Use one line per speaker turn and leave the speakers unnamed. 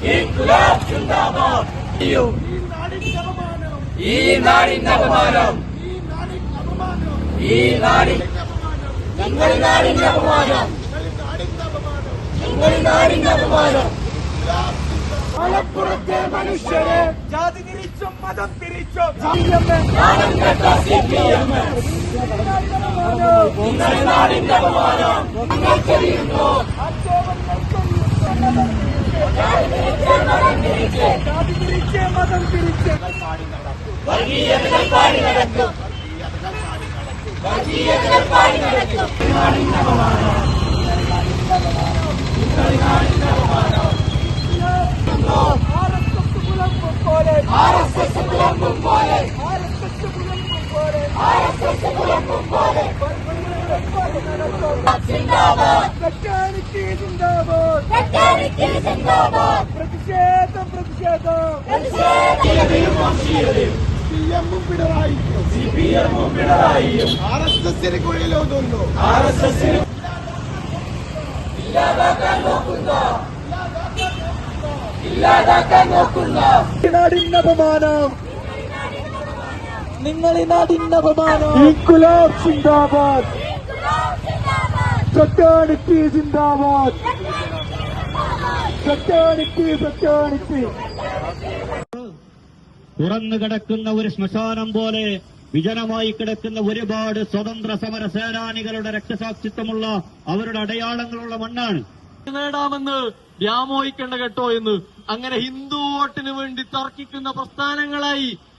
ഇൻക്വിലാബ് സിന്ദാബാദ്. ഈ നാടിന്റെ അപമാനം, ഈ നാടിന്റെ അപമാനം, നാടിന്റെ അപമാനം. മലപ്പുറത്തെ മനുഷ്യരെ ജാതി തിരിച്ചും മതം തിരിച്ചും നാടിന്റെ അപമാനം ജാതി തിരിച്ച് മതം തിരിച്ച് വർഗീയതകൾ പാടി നടക്കും, വർഗീയതകൾ പാടി നടക്കും. നാടിന്റെ അപമാനം, നാടിന്റെ അപമാനം. ആർഎസ്എസ് പുലമ്പും പോലെ, സിന്ദാബാദ്, സിന്ദാബാദ്. പ്രതിഷേധം, പ്രതിഷേധം. സിപിഎമ്മും പിണറായിയും ആർഎസ്എസിന് കുഴിയിലൊതുന്നു, ആർഎസ്എസിന് ഇല്ലാതാക്കാൻ നോക്കുന്ന നാടിന്റെ അപമാനം, നിങ്ങൾ ഈ നാടിന്റെ അപമാനം. ഇൻക്വിലാബ് സിന്ദാബാദ്, ഫ്രറ്റേണിറ്റി സിന്ദാബാദ്, ഫ്രറ്റേണിറ്റി, ഫ്രറ്റേണിറ്റി.
തുറന്നു കിടക്കുന്ന ഒരു ശ്മശാനം പോലെ വിജനമായി കിടക്കുന്ന ഒരുപാട് സ്വതന്ത്ര സമര സേനാനികളുടെ രക്തസാക്ഷിത്വമുള്ള അവരുടെ അടയാളങ്ങളുള്ള മണ്ണാണ്.
നേടാമെന്ന് വ്യാമോഹിക്കേണ്ട കേട്ടോ എന്ന് അങ്ങനെ ഹിന്ദു വോട്ടിന് വേണ്ടി തർക്കിക്കുന്ന പ്രസ്ഥാനങ്ങളായി